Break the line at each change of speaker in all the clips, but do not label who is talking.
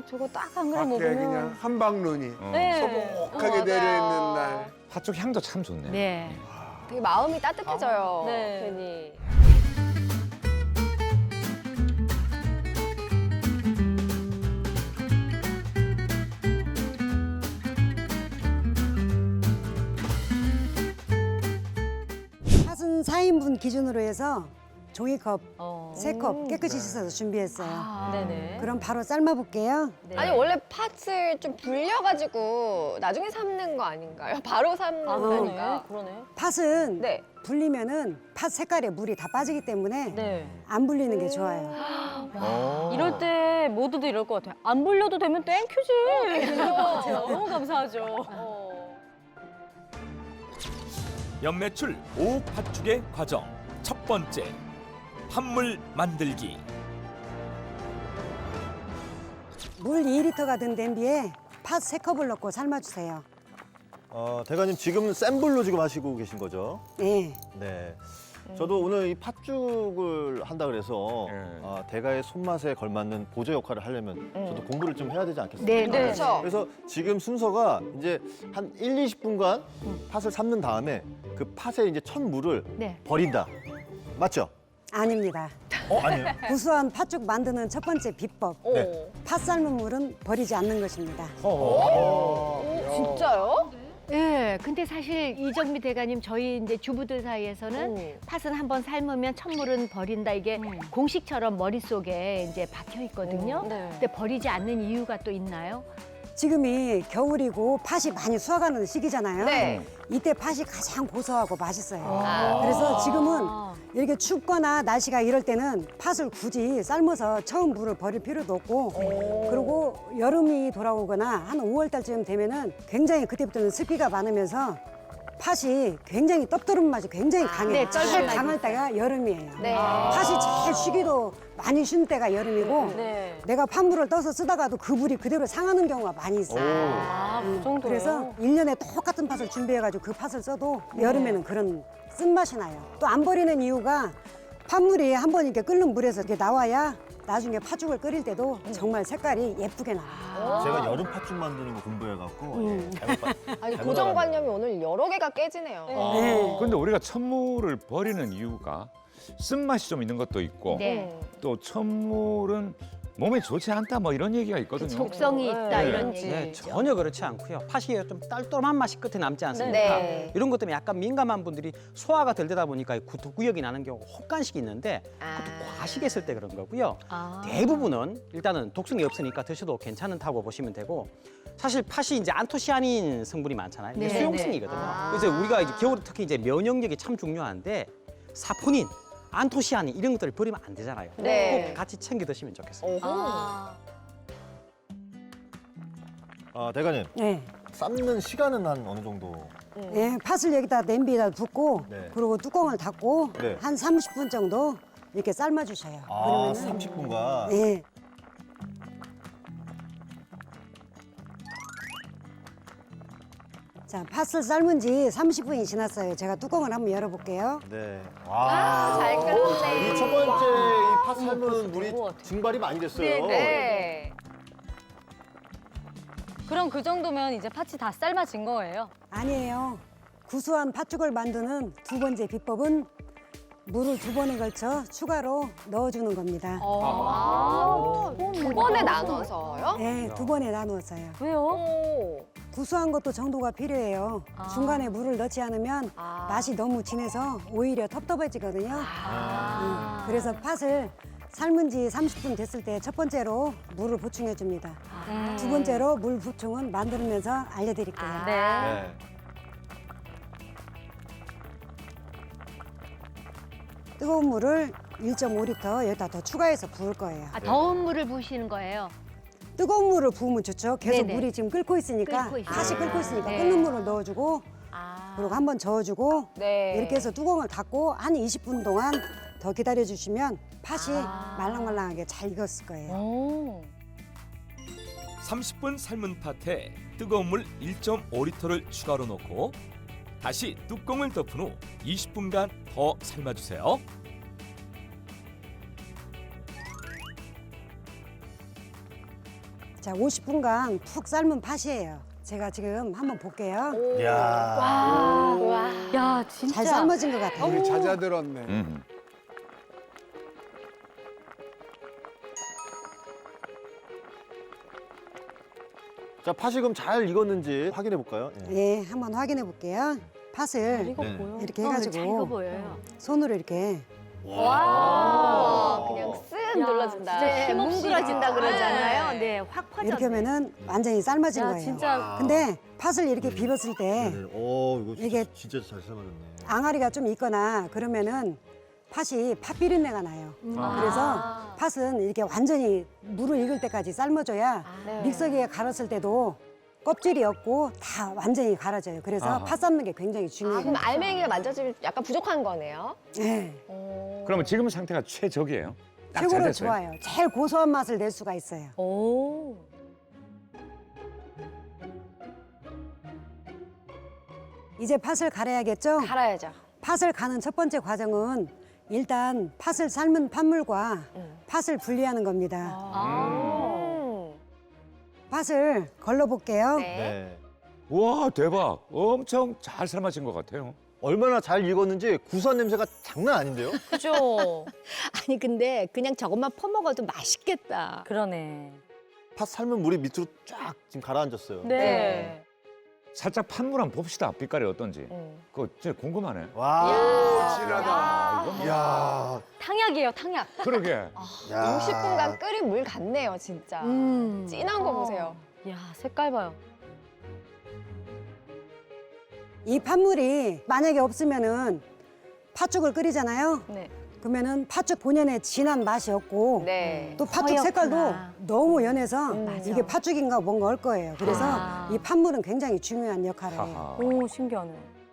저거 딱 한 그릇
밖에 그냥
먹으면.
한방눈이
네.
소복하게
맞아요.
내려있는 날.
팥죽 향도 참 좋네요.
네.
되게 마음이 따뜻해져요.
네.
괜히.
팥은 4인분 기준으로 해서 종이컵
어.
3컵 깨끗이 씻어서 준비했어요.
아, 네네.
그럼 바로 삶아볼게요.
네.
아니 원래 팥을 좀 불려가지고 나중에 삶는 거 아닌가요? 바로 삶는다니까.
그러네.
팥은
네.
불리면은 팥 색깔에 물이 다 빠지기 때문에
네.
안 불리는 게 좋아요.
이럴 때 모두들 이럴 것 같아요. 안 불려도 되면 땡큐지. 너무 감사하죠.
연매출 5옥 팥죽의 과정 첫 번째 팥물 만들기.
물 2리터가 든 냄비에 팥 3컵을 넣고 삶아주세요.
대가님 지금 센 불로 지금 하시고 계신 거죠?
네.
네. 저도 오늘 이 팥죽을 한다 그래서
네.
대가의 손맛에 걸맞는 보조 역할을 하려면 저도 공부를 좀 해야 되지 않겠습니까?
네, 네.
그렇죠.
그래서 지금 순서가 이제 한 1, 20분간 팥을 삶는 다음에 그 팥에 이제 첫 물을
네.
버린다. 맞죠?
아닙니다.
아니에요.
구수한 팥죽 만드는 첫 번째 비법.
오.
네.
팥 삶은 물은 버리지 않는 것입니다.
진짜요?
예, 근데 사실 이정미 대가님 저희 이제 주부들 사이에서는 팥은 한번 삶으면 첫물은 버린다 이게 공식처럼 머릿속에 이제 박혀 있거든요.
네.
근데 버리지 않는 이유가 또 있나요?
지금이 겨울이고 팥이 많이 수확하는 시기잖아요.
네.
이때 팥이 가장 고소하고 맛있어요.
아.
그래서 지금은 이렇게 춥거나 날씨가 이럴 때는 팥을 굳이 삶아서 처음 물을 버릴 필요도 없고 그리고 여름이 돌아오거나 한 5월 달쯤 되면은 굉장히 그때부터는 습기가 많으면서 팥이 굉장히 떡두름 맛이 굉장히 강해요.
네,
제일
쩔쩔
강할 때가 여름이에요.
네.
팥이 제일 쉬기도 많이 쉬는 때가 여름이고
네.
내가 팥물을 떠서 쓰다가도 그 물이 그대로 상하는 경우가 많이 있어요.
아, 그 정도예요?
그래서 1년에 똑같은 팥을 준비해가지고 그 팥을 써도 여름에는 그런 쓴맛이 나요. 또 안 버리는 이유가 팥물이 한 번 이렇게 끓는 물에서 이렇게 나와야 나중에 팥죽을 끓일 때도 정말 색깔이 예쁘게 나와요.
제가 여름 팥죽 만드는 거 공부해갖고 잘못 봤-
아니
잘못
고정관념이 오늘 여러 개가 깨지네요.
네.
근데 우리가 첫물을 버리는 이유가 쓴맛이 좀 있는 것도 있고
네.
또 첫물은 몸에 좋지 않다 뭐 이런 얘기가 있거든요.
독성이 있다
네.
이런
네,
얘기죠.
전혀 그렇지 않고요. 팥이 좀 딸똘한 맛이 끝에 남지 않습니까?
네.
이런 것 때문에 약간 민감한 분들이 소화가 덜 되다 보니까 구토구역이 나는 경우가 혹간씩 있는데 그것도 과식했을 때 그런 거고요.
아.
대부분은 일단은 독성이 없으니까 드셔도 괜찮다고 보시면 되고 사실 팥이 이제 안토시아닌 성분이 많잖아요. 이게
네,
수용성이거든요.
아.
그래서 우리가 이제 겨울에 특히 이제 면역력이 참 중요한데 사포닌, 안토시아닌 이런 것들을 버리면 안 되잖아요.
네.
꼭 같이 챙겨 드시면 좋겠습니다.
오호.
아.
대가님
네.
삶는 시간은 한 어느 정도?
네, 팥을 여기다 냄비에다 붓고
네.
그리고 뚜껑을 닫고
네.
한 30분 정도 이렇게 삶아주셔요.
아,
그러면은
30분간.
네. 자, 팥을 삶은 지 30분이 지났어요. 제가 뚜껑을 한번 열어볼게요.
네.
잘 끓었네.
이 첫 번째 이 팥 삶은
벌써
물이
된것 같아.
증발이 많이 됐어요.
네.
그럼 그 정도면 이제 팥이 다 삶아진 거예요?
아니에요. 구수한 팥죽을 만드는 두 번째 비법은 물을 2번에 걸쳐 추가로 넣어주는 겁니다.
두 번에 나눠서요?
네, 2번에 나누었어요.
왜요?
오.
구수한 것도 정도가 필요해요.
아.
중간에 물을 넣지 않으면
아.
맛이 너무 진해서 오히려 텁텁해지거든요.
아.
그래서 팥을 삶은 지 30분 됐을 때 첫 번째로 물을 보충해 줍니다. 두 번째로 물 보충은 만들면서 알려드릴게요.
네.
네.
뜨거운 물을 1.5리터 여기다 더 추가해서 부을 거예요.
아, 더운 물을 부으시는 거예요.
뜨거운 물을 부으면 좋죠. 계속
네네.
물이 지금 끓고 있으니까
끓고 있어요.
팥이 끓고 있으니까
네.
끓는 물을 넣어주고
아.
그리고 한번 저어주고
네.
이렇게 해서 뚜껑을 닫고 한 20분 동안 더 기다려주시면 팥이 말랑말랑하게 잘 익었을 거예요.
오.
30분 삶은 팥에 뜨거운 물 1.5리터를 추가로 넣고 다시 뚜껑을 덮은 후 20분간 더 삶아주세요.
자, 자, 50분간 푹 삶은 팥이에요. 제가 지금 한번 볼게요.
야.
와.
야, 진짜.
잘 삶아진 것 같아요.
우리 잦아들었네.
자, 팥이 그럼 잘 익었는지 확인해 볼까요? 예.
예, 한번 확인해 볼게요. 팥을
이거
네.
보여.
이렇게
잘 익어
해가지고
보여요.
손으로 이렇게
와. 그냥 쓱
야,
눌러준다.
진짜
네,
힘없이.
뭉그러진다 그러잖아요. 네, 확 퍼져.
이렇게 하면은 완전히 삶아진
야,
거예요.
진짜.
근데 팥을 이렇게 비볐을 때
네. 이거
이게
진짜 잘 삶아졌네.
앙아리가 좀 있거나 그러면은 팥이 팥 비린내가 나요. 그래서 팥은 이렇게 완전히 물을 익을 때까지 삶아줘야
네.
믹서기에 갈았을 때도 껍질이 없고 다 완전히 갈아져요. 그래서
아하.
팥 삶는 게 굉장히
아,
중요해요.
그럼 알맹이가 만져지면 약간 부족한 거네요.
네,
그러면 지금 상태가 최적이에요. 딱잘
최고로
됐어요.
좋아요. 제일 고소한 맛을 낼 수가 있어요.
오.
이제 팥을 갈아야겠죠?
갈아야죠.
팥을 가는 첫 번째 과정은 일단 팥을 삶은 팥물과 팥을 분리하는 겁니다. 팥을 걸러볼게요.
네.
네.
와, 대박. 엄청 잘 삶아진 것 같아요.
얼마나 잘 익었는지 구수한 냄새가 장난 아닌데요?
그죠.
아니 근데 그냥 저것만 퍼먹어도 맛있겠다.
그러네.
팥 삶은 물이 밑으로 쫙 지금 가라앉았어요.
네.
살짝 팥물 한번 봅시다. 빛깔이 어떤지. 그거 진짜 궁금하네.
와.
진하다.
이거 뭐-
야.
탕약이에요, 탕약.
그러게.
야.
60분간 끓인 물 같네요, 진짜. 진한 거 보세요.
야, 색깔 봐요.
이 팥물이 만약에 없으면은 팥죽을 끓이잖아요.
네.
그러면은 팥죽 본연의 진한 맛이 없고
네.
또 팥죽
허옇구나.
색깔도 너무 연해서
맞아.
이게 팥죽인가 뭔가 할 거예요. 그래서
아.
이 팥물은 굉장히 중요한 역할을 해요.
하하.
오, 신기하네.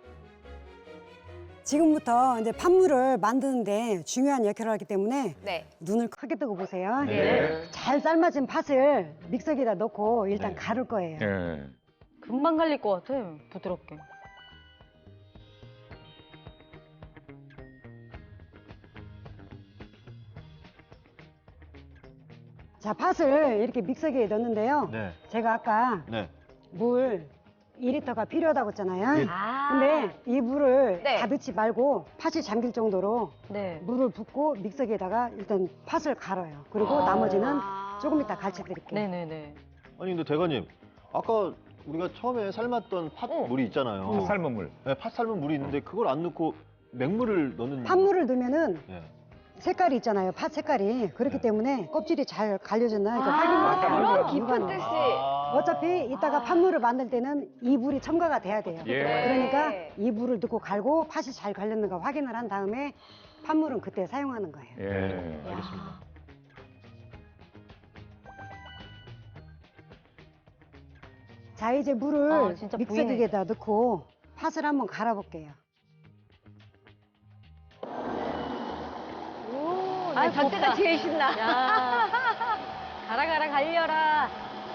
지금부터 이제 팥물을 만드는데 중요한 역할을 하기 때문에
네.
눈을 크게 뜨고 보세요.
네.
잘 삶아진 팥을 믹서기에다 넣고 일단
네.
가를 거예요.
예.
금방 갈릴 것 같아, 부드럽게.
자, 팥을 이렇게 믹서기에 넣는데요.
네.
제가 아까
네.
물 2리터가 필요하다고 했잖아요.
예.
근데 이 물을
네.
다 넣지 말고 팥이 잠길 정도로
네.
물을 붓고 믹서기에다가 일단 팥을 갈아요. 그리고 나머지는 조금 이따 가르쳐 드릴게요.
네네네.
아니 근데 대가님, 아까 우리가 처음에 삶았던 팥물이 있잖아요.
팥 삶은 물.
네, 팥 삶은 물이 있는데 그걸 안 넣고 맹물을 넣는.
팥물을 넣으면은
네.
색깔이 있잖아요. 팥 색깔이. 그렇기
네.
때문에 껍질이 잘 갈려졌나 이거
아,
확인해야
그런
돼요.
깊은 뜻이.
어차피 이따가 팥물을 만들 때는 이 물이 첨가가 돼야 돼요.
예.
그러니까 이 물을 넣고 갈고 팥이 잘 갈렸는가 확인을 한 다음에 팥물은 그때 사용하는 거예요.
예.
알겠습니다.
자, 이제 물을
진짜
믹서기에다 넣고 팥을 한번 갈아볼게요.
아, 저때가 제일 신나.
야. 가라, 가라, 갈려라.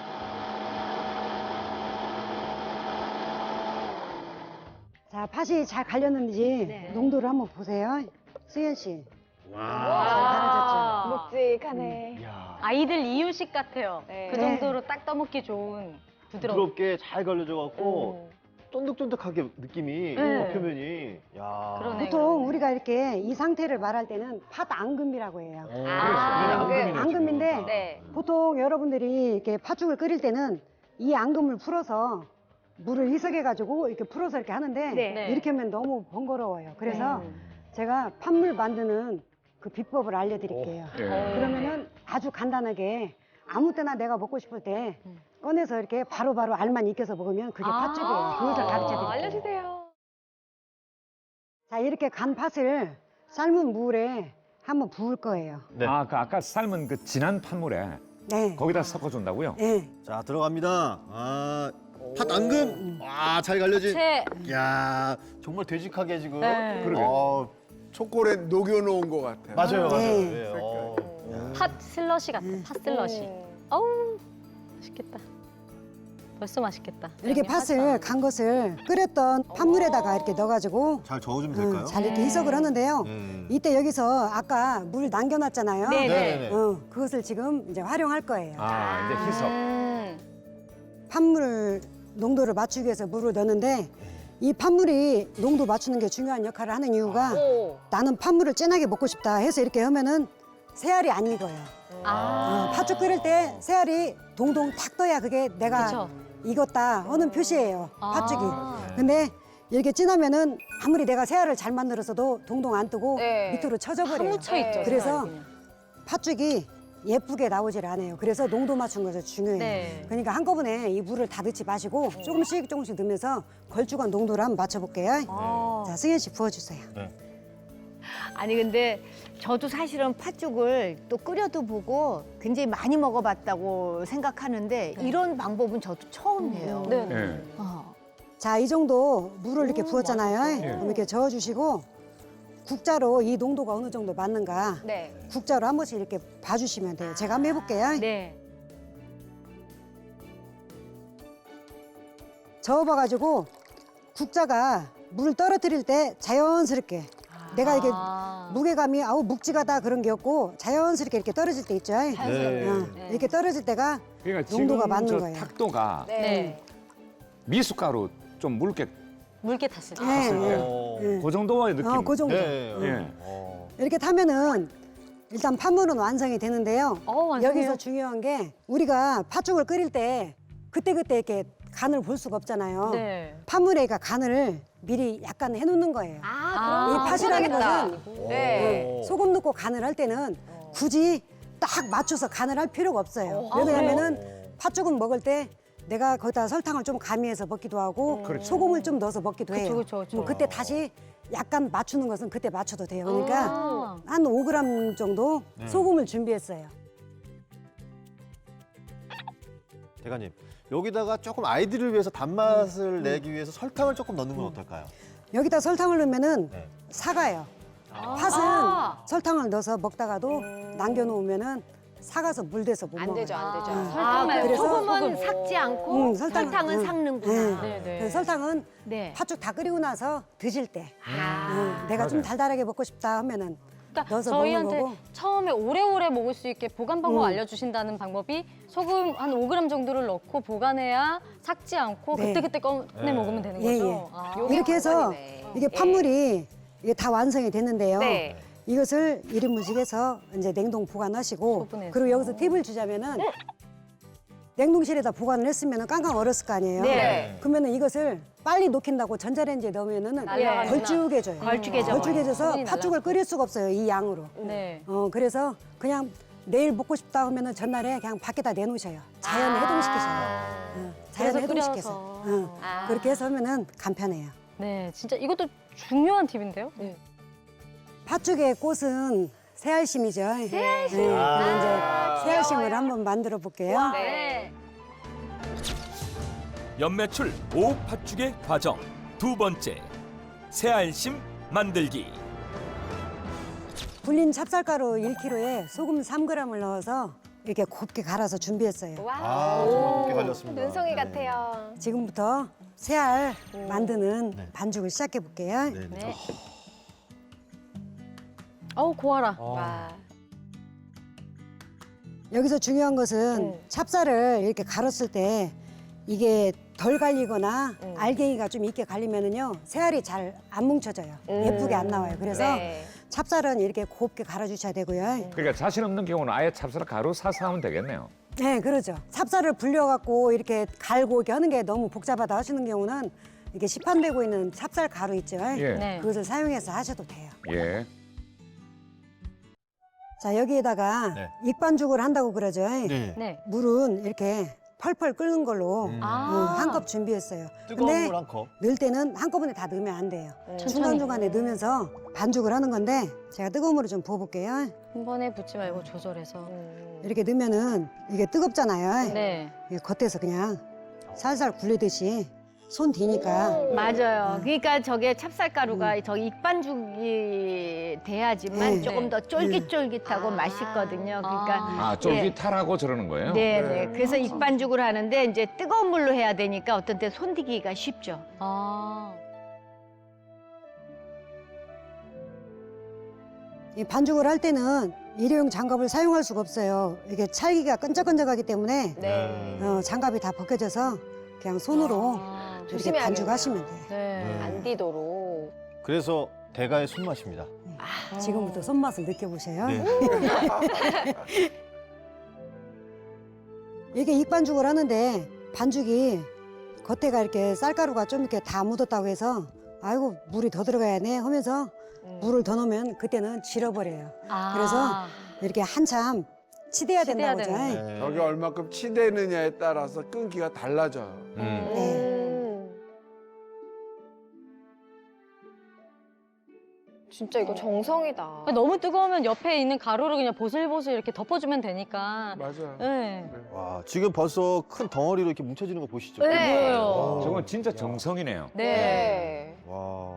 자, 팥이 잘 갈렸는지
네.
농도를 한번 보세요. 수현 씨.
와.
잘 갈아졌죠?
아.
묵직하네.
야.
아이들 이유식 같아요.
네.
그 정도로 딱 떠먹기 좋은 부드러움.
부드럽게 잘 갈려져 갖고 쫀득쫀득하게 느낌이
네.
표면이. 야.
그러네.
보통 우리가 이렇게 이 상태를 말할 때는 팥 앙금이라고 해요.
앙금.
앙금인데
네.
보통 여러분들이 이렇게 팥죽을 끓일 때는 이 앙금을 풀어서 물을 희석해가지고 이렇게 풀어서 이렇게 하는데
네.
이렇게 하면 너무 번거로워요. 그래서 제가 팥물 만드는 그 비법을 알려드릴게요.
예.
그러면은 아주 간단하게 아무 때나 내가 먹고 싶을 때 꺼내서 이렇게 바로바로 알만 익혀서 먹으면 그게 팥죽이에요. 그것을 가르쳐 드릴게요.
알려주세요.
자, 이렇게 간 팥을 삶은 물에 한번 부을 거예요.
네.
아, 그 아까 삶은 그 진한 팥물에
네.
거기다 섞어준다고요?
네.
자, 들어갑니다. 아, 팥 앙금. 와, 잘 갈려진.
채.
야, 정말 되직하게 지금.
네.
그러게.
초콜릿 녹여놓은 것 같아요.
맞아요, 맞아요.
네.
네.
팥 슬러시 같아, 팥 슬러시. 어우, 맛있겠다. 벌써 맛있겠다.
이렇게 팥을 간 것을 끓였던 팥물에다가 이렇게 넣어가지고
잘 저어주면 될까요?
잘 이렇게 희석을 하는데요.
네.
이때 여기서 아까 물 남겨놨잖아요.
네.
네네네.
그것을 지금 이제 활용할 거예요.
아, 이제 희석.
판물 농도를 맞추기 위해서 물을 넣는데 이 판물이 농도 맞추는 게 중요한 역할을 하는 이유가
오.
나는 판물을 진하게 먹고 싶다 해서 이렇게 하면은 새알이 안 익어요. 팥죽 끓일 때 새알이 동동 탁 떠야 그게 내가
그쵸.
익었다 하는 표시예요. 팥죽이.
아.
근데 이렇게 진하면은 아무리 내가 새알을 잘 만들어서도 동동 안 뜨고
네.
밑으로 쳐져버려요.
파묻혀 있죠.
그래서
색깔이 그냥.
팥죽이 예쁘게 나오질 않아요. 그래서 농도 맞춘 것이 중요해요.
네.
그러니까 한꺼번에 이 물을 다 넣지 마시고 조금씩 넣으면서 걸쭉한 농도를 한번 맞춰볼게요.
아.
자, 승현 씨 부어주세요.
아니 근데 저도 사실은 팥죽을 또 끓여도 보고 굉장히 많이 먹어봤다고 생각하는데 이런 방법은 저도 처음 해요.
네.
예.
자, 이 정도 물을 이렇게 부었잖아요. 그럼 이렇게 저어주시고 국자로 이 농도가 어느 정도 맞는가
네.
국자로 한 번씩 이렇게 봐주시면 돼요. 제가 한번 해볼게요.
네.
저어봐가지고 국자가 물을 떨어뜨릴 때 자연스럽게 내가 이게 무게감이 아우 묵직하다 그런 게 없고 자연스럽게 이렇게 떨어질 때 있죠.
자연스럽게.
어, 이렇게 떨어질 때가
그러니까
농도가
지금
맞는
저
거예요.
탁도가
네.
미숫가루 좀 묽게
물게 탔을 때.
네,
네.
그 정도의 느낌.
그 정도.
네.
예.
이렇게 타면은 일단 판물은 완성이 되는데요.
완성이요?
여기서 중요한 게 우리가 팥죽을 끓일 때 그때그때 이렇게 간을 볼 수가 없잖아요.
네.
판물에가 간을 미리 약간 해놓는 거예요.
아,
이
그럼
팥이라는
편하겠다.
것은
네.
소금 넣고 간을 할 때는 굳이 딱 맞춰서 간을 할 필요가 없어요. 왜냐하면은 팥죽은 먹을 때 내가 거기다 설탕을 좀 가미해서 먹기도 하고 소금을 좀 넣어서 먹기도 해요.
그쵸.
뭐 그때 다시 약간 맞추는 것은 그때 맞춰도 돼요. 그러니까
아.
한 5g 정도 소금을 준비했어요.
대가님, 여기다가 조금 아이들을 위해서 단맛을 내기 위해서 설탕을 조금 넣는 건 어떨까요?
여기다 설탕을 넣으면은
네.
사가요. 팥은 설탕을 넣어서 먹다가도 남겨놓으면은 사가서 물대서 못
안
먹어요.
되죠, 안 되죠.
아,
그래서
소금은 삭지 않고 설탕은 삭는구나.
네.
그 설탕은
네.
팥죽 다 끓이고 나서 드실 때
아.
내가 좀 달달하게 먹고 싶다 하면은
그러니까
넣어서 먹는
저희한테
거고.
처음에 오래오래 먹을 수 있게 보관 방법 알려주신다는 방법이 소금 한 5g 정도를 넣고 보관해야 삭지 않고
네.
그때그때 꺼내 먹으면 되는
예,
거죠?
예.
아.
이렇게 해서
관건이네.
이게 판물이 이게 다 완성이 됐는데요.
네.
이것을 1인분씩해서 이제 냉동 보관하시고
소분해서.
그리고 여기서 팁을 주자면은 냉동실에다 보관을 했으면 깡깡 얼었을 거 아니에요.
네.
그러면은 이것을 빨리 녹힌다고 전자레인지에 넣으면은
날아가는구나.
걸쭉해져요.
걸쭉해져.
걸쭉해져서
수분이
팥죽을 끓일 수가 없어요. 이 양으로.
네.
그래서 그냥 내일 먹고 싶다 하면은 전날에 그냥 밖에다 내놓으셔요. 자연 해동시키셔요. 자연
그래서
해동시켜서.
끓여서.
그렇게 해서 하면은 간편해요.
네, 진짜 이것도 중요한 팁인데요? 네.
팥죽의 꽃은 새알심이죠. 새알심. 그럼 이제 새알심을 한번 만들어 볼게요.
네.
연매출 5 팥죽의 과정 두 번째 새알심 만들기.
불린 찹쌀가루 1kg에 소금 3g을 넣어서 이렇게 곱게 갈아서 준비했어요.
아, 정말 곱게 갈렸습니다.
눈송이
네.
같아요.
지금부터 새알 만드는 반죽을 시작해 볼게요.
네.
네. 어우, 고와라.
와.
여기서 중요한 것은 찹쌀을 이렇게 갈았을 때 이게 덜 갈리거나 알갱이가 좀 있게 갈리면은요 새알이 잘 안 뭉쳐져요. 예쁘게 안 나와요. 그래서
네.
찹쌀은 이렇게 곱게 갈아주셔야 되고요.
그러니까 자신 없는 경우는 아예 찹쌀 가루 사서 하면 되겠네요.
네, 그러죠. 찹쌀을 불려갖고 이렇게 갈고 이렇게 하는 게 너무 복잡하다 하시는 경우는 이게 시판되고 있는 찹쌀 가루 있죠.
예.
네.
그것을 사용해서 하셔도 돼요.
예.
자, 여기에다가
네.
익반죽을 한다고 그러죠.
네.
네.
물은 이렇게 펄펄 끓는 걸로
아.
한 컵 준비했어요.
뜨거운
근데
물 한 컵.
넣을 때는 한꺼번에 다 넣으면 안 돼요.
천천히.
중간중간에 넣으면서 반죽을 하는 건데 제가 뜨거운 물을 좀 부어볼게요.
한 번에 붓지 말고 조절해서.
이렇게 넣으면은 이게 뜨겁잖아요.
네.
이게 겉에서 그냥 살살 굴리듯이 손 뒤니까
맞아요. 그러니까 저게 찹쌀가루가 저 익반죽이 돼야지만
네.
조금 더 쫄깃쫄깃하고 맛있거든요. 그러니까
아, 쫄깃하라고 저러는 거예요?
네. 그래서 익반죽을 하는데 이제 뜨거운 물로 해야 되니까 어떤 때 손디기가 쉽죠.
아.
이 반죽을 할 때는 일회용 장갑을 사용할 수가 없어요. 이게 찰기가 끈적끈적하기 때문에
네.
장갑이 다 벗겨져서 그냥 손으로 이렇게
조심해야겠네요.
반죽하시면 돼요.
네.
안 디도록.
그래서 대가의 손맛입니다.
지금부터 손맛을 느껴보세요.
네.
이게 익반죽을 하는데 반죽이 겉에가 이렇게 쌀가루가 좀 이렇게 다 묻었다고 해서 아이고 물이 더 들어가야네 하면서 물을 더 넣으면 그때는 질어버려요.
아.
그래서 이렇게 한참 치대야
치대야
된다고 하죠.
되는
저게 얼마큼 치대느냐에 따라서 끈기가 달라져요.
진짜 이거 정성이다.
너무 뜨거우면 옆에 있는 가루를 그냥 보슬보슬 이렇게 덮어주면 되니까.
맞아요.
네.
와, 지금 벌써 큰 덩어리로 이렇게 뭉쳐지는 거 보시죠?
네.
보여요.
저건 진짜 정성이네요.
네.
와.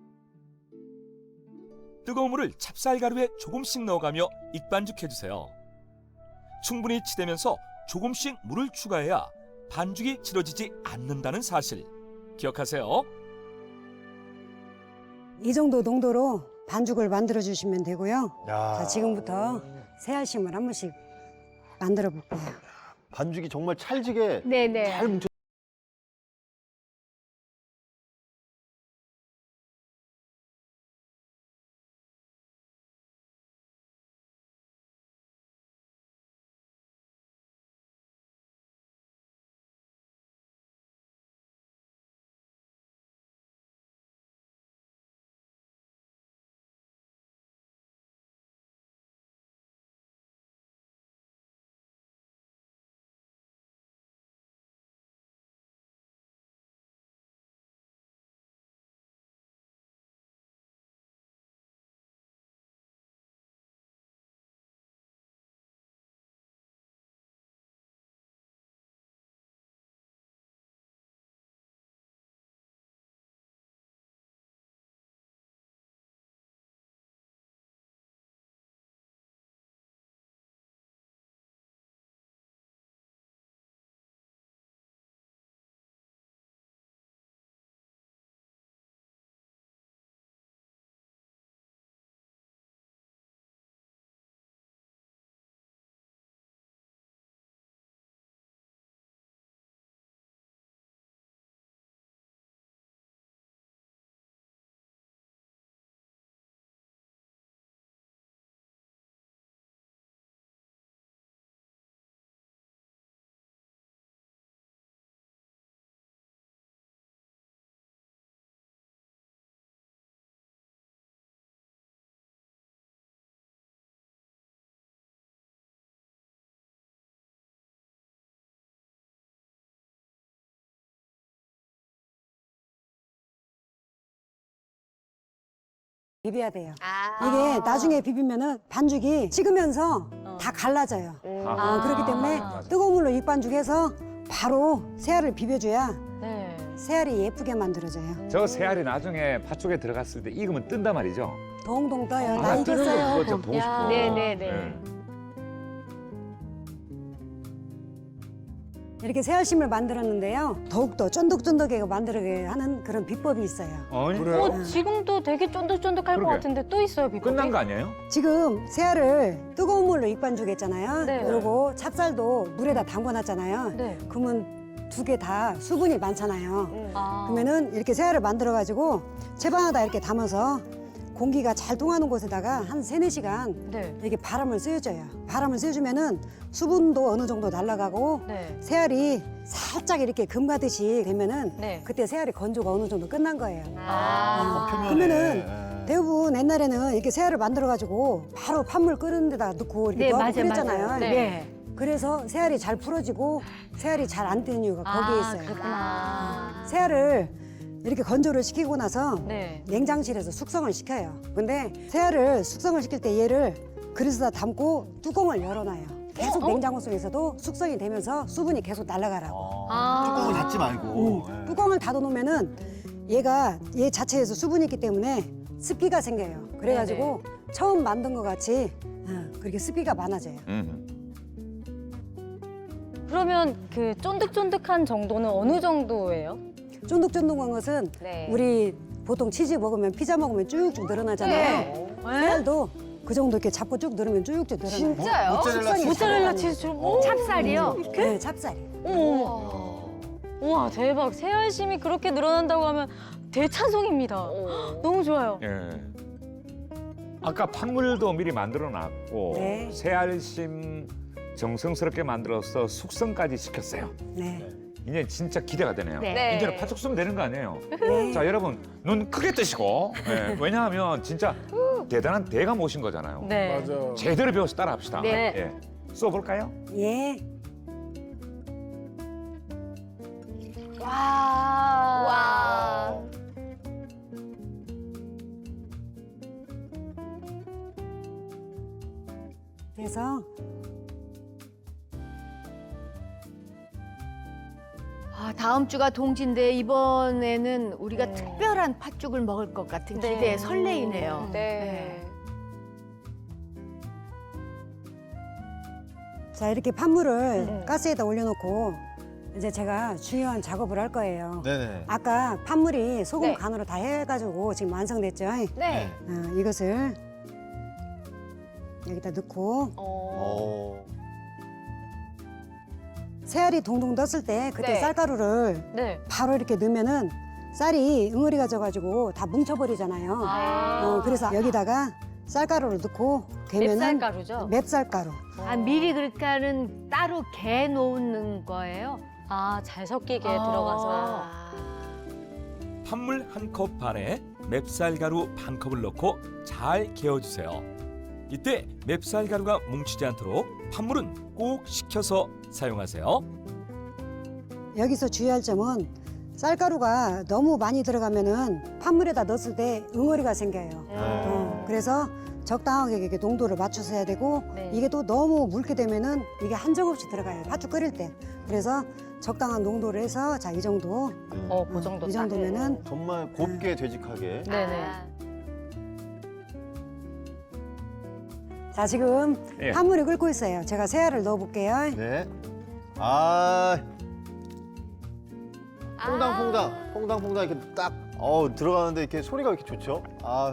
뜨거운 물을 찹쌀가루에 조금씩 넣어가며 익반죽해주세요. 충분히 치대면서 조금씩 물을 추가해야 반죽이 질어지지 않는다는 사실 기억하세요.
이 정도 농도로 반죽을 만들어 주시면 되고요.
야.
자, 지금부터 새알심을 한 번씩 만들어 볼게요.
반죽이 정말 찰지게
네네.
잘 뭉쳐.
비벼야 돼요.
아.
이게 나중에 비비면은 반죽이 식으면서 다 갈라져요. 그렇기 때문에 뜨거운 물로 익반죽해서 바로 새알을 비벼줘야
네.
새알이 예쁘게 만들어져요.
저 새알이 나중에 팥죽에 들어갔을 때 익으면 뜬단 말이죠.
동동 떠요. 나
아, 뜨는 거
익었어요.
그거 좀 보고 싶어.
네네네.
이렇게 새알심을 만들었는데요. 더욱더 쫀득쫀득하게 만들게 하는 그런 비법이 있어요.
아니,
그래요?
지금도 되게 쫀득쫀득할 것
그러게.
같은데 또 있어요, 비법이?
끝난 거 아니에요?
지금 새알을 뜨거운 물로 익반죽했잖아요.
네.
그리고 찹쌀도 물에다 담궈놨잖아요.
네.
그러면 두 개 다 수분이 많잖아요.
아.
그러면은 이렇게 새알을 만들어가지고 채반에다 이렇게 담아서 공기가 잘 통하는 곳에다가 한 3-4시간
네.
이렇게 바람을 쐬줘요. 바람을 쐬주면은 수분도 어느 정도 날아가고
네.
새알이 살짝 이렇게 금 가듯이 되면은
네.
그때 새알이 건조가 어느 정도 끝난 거예요.
아.
표면에.
그러면은 대부분 옛날에는 이렇게 새알을 만들어가지고 바로 판물 끓는 데다 넣고 이렇게
네,
넣고
맞아요,
그랬잖아요.
맞아요.
네.
네.
그래서 새알이 잘 풀어지고 새알이 잘 안 뜨는 이유가 거기에 있어요.
그렇구나.
새알을 이렇게 건조를 시키고 나서
네.
냉장실에서 숙성을 시켜요. 근데 새알을 숙성을 시킬 때 얘를 그릇에다 담고 뚜껑을 열어놔요. 계속 냉장고 속에서도 숙성이 되면서 수분이 계속 날아가라고.
뚜껑을 닫지 말고. 예.
뚜껑을 닫아놓으면은 얘가 얘 자체에서 수분이 있기 때문에 습기가 생겨요. 그래가지고 처음 만든 것 같이 그렇게 습기가 많아져요.
그러면 그 쫀득쫀득한 정도는 어느 정도예요?
쫀득쫀득한 것은
네.
우리 보통 치즈 먹으면 피자 먹으면 쭉쭉 늘어나잖아요.
네.
새알도 그 정도 이렇게 잡고 쭉 누르면 쭉쭉 늘어나요.
진짜요?
모짜렐라 치즈.
모짜렐라 치즈. 오.
찹쌀이요?
네, 찹쌀이.
우와 대박. 새알심이 그렇게 늘어난다고 하면 대찬송입니다. 너무 좋아요.
예. 아까 팥물도 미리 만들어 놨고
네.
새알심 정성스럽게 만들어서 숙성까지 시켰어요.
네.
이제 진짜 기대가 되네요.
네.
네.
이제는 팥죽 쓰면 되는 거 아니에요?
네.
자, 여러분 눈 크게 뜨시고 예, 왜냐하면 진짜 대단한 대가 모신 거잖아요.
네.
맞아.
제대로 배워서 따라합시다.
네.
예. 써볼까요?
예.
와.
그래서
아, 다음 주가 동지인데 이번에는 우리가 특별한 팥죽을 먹을 것 같은
네.
기대에 설레이네요.
네.
자, 이렇게 팥물을 가스에다 올려놓고 이제 제가 중요한 작업을 할 거예요.
네네.
아까 팥물이 소금
네.
간으로 다 해가지고 지금 완성됐죠?
네.
이것을 여기다 넣고 새알이 동동 떴을 때 그때
네.
쌀가루를
네.
바로 이렇게 넣으면은 쌀이 응어리가 져가지고 다 뭉쳐버리잖아요. 그래서 여기다가 쌀가루를 넣고 되면은
맵쌀가루죠?
맵쌀가루.
아, 미리 그러니까는 따로 개 놓는 거예요?
아, 잘 섞이게
아.
들어가서.
팥물 한 컵 반에 맵쌀가루 반 컵을 넣고 잘 개어주세요. 이때 맵쌀가루가 뭉치지 않도록 팥물은 꼭 식혀서 사용하세요.
여기서 주의할 점은 쌀가루가 너무 많이 들어가면은 팥물에다 넣었을 때 응어리가 생겨요. 그래서 적당하게 이렇게 농도를 맞춰서 해야 되고
네.
이게 또 너무 묽게 되면은 이게 한정없이 들어가요. 팥죽 끓일 때. 그래서 적당한 농도를 해서 자, 이 정도.
그 정도
이
딱.
정도면은
정말 곱게 되직하게.
네네.
자, 지금
예.
팥물이 끓고 있어요. 제가 새알을 넣어 볼게요.
네. 아. 퐁당퐁당, 퐁당퐁당 이렇게 딱 들어가는데 이렇게 소리가 이렇게 좋죠? 아,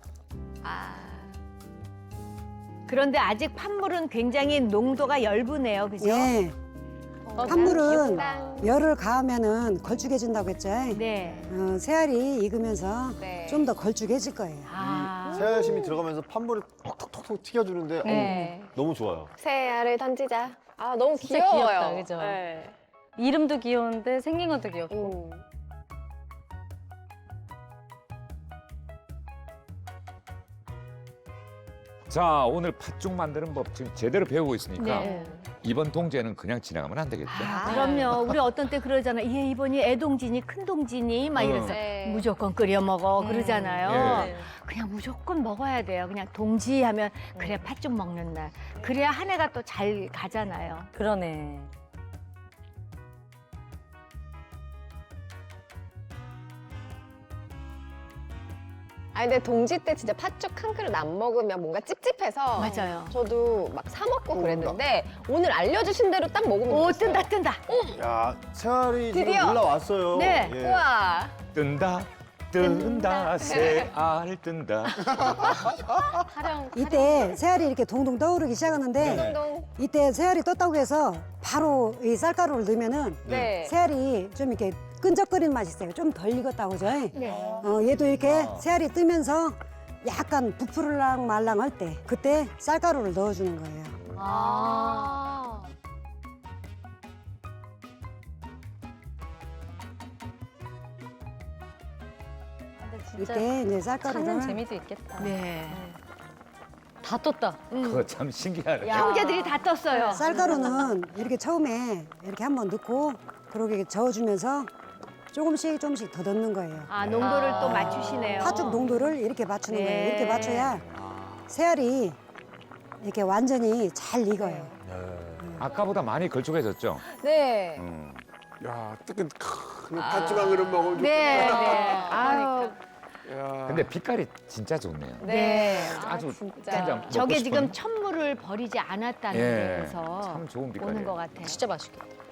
그런데 아직 팥물은 굉장히 농도가 엷으네요. 그죠?
예.
어,
팥물은
귀엽다.
열을 가하면은 걸쭉해진다고 했죠.
네.
새알이 익으면서
네.
좀 더 걸쭉해질 거예요.
아.
새알심이 들어가면서 팥물을 톡톡톡 튀겨주는데
네.
너무 좋아요.
새알을 던지자. 아, 너무
진짜
귀여워요.
귀엽다, 그죠?
네.
이름도 귀여운데 생긴 것도 귀엽고.
자, 오늘 팥죽 만드는 법 지금 제대로 배우고 있으니까
네.
이번 동지에는 그냥 지나가면 안 되겠죠?
아, 그럼요. 우리 어떤 때 그러잖아. 얘 이번이 애동지니 큰동지니 막 이래서
네.
무조건 끓여 먹어 그러잖아요.
예.
그냥 무조건 먹어야 돼요. 그냥 동지하면 그래 팥죽 먹는 날. 그래야 한 해가 또 잘 가잖아요.
그러네.
아, 근데 동지 때 진짜 팥죽 한 그릇 안 먹으면 뭔가 찝찝해서.
맞아요.
저도 막 사 먹고 그랬는데 오늘 알려주신 대로 딱 먹으면
오
됐어요.
뜬다 뜬다.
야, 새알이 지금
드디어.
올라왔어요.
네.
예.
우와.
뜬다, 뜬다, 새알 뜬다.
활용.
이때 새알이 이렇게 동동 떠오르기 시작하는데
동동.
이때 새알이 떴다고 해서 바로 이 쌀가루를 넣으면은
네.
새알이 좀 이렇게 끈적거리는 맛이 있어요. 좀 덜 익었다고 그죠?
네.
얘도 이렇게 새알이 뜨면서 약간 부풀랑 말랑할 때 그때 쌀가루를 넣어주는 거예요.
아.
근데 진짜
이때 이제
찾는
쌀가루를
재미도 있겠다.
네.
다 떴다.
그거 참 신기하네.
형제들이 다 떴어요.
쌀가루는 이렇게 처음에 이렇게 한번 넣고 그러게 저어주면서 조금씩 더 넣는 거예요.
아 농도를 또 맞추시네요.
팥죽 농도를 이렇게 맞추는
네.
거예요. 이렇게 맞춰야 새알이 이렇게 완전히 잘 익어요.
아까보다 많이 걸쭉해졌죠?
네.
야, 뜨끈 큰 팥죽 한 그릇 먹으면
네,
좋겠다.
네. 아유,
야.
근데 빛깔이 진짜 좋네요.
네.
아주
진짜.
진짜 먹고
저게 지금
싶은.
천물을 버리지 않았다는
예,
데에서
참 좋은
오는
빛깔이에요.
것 같아요.
진짜 맛있겠다.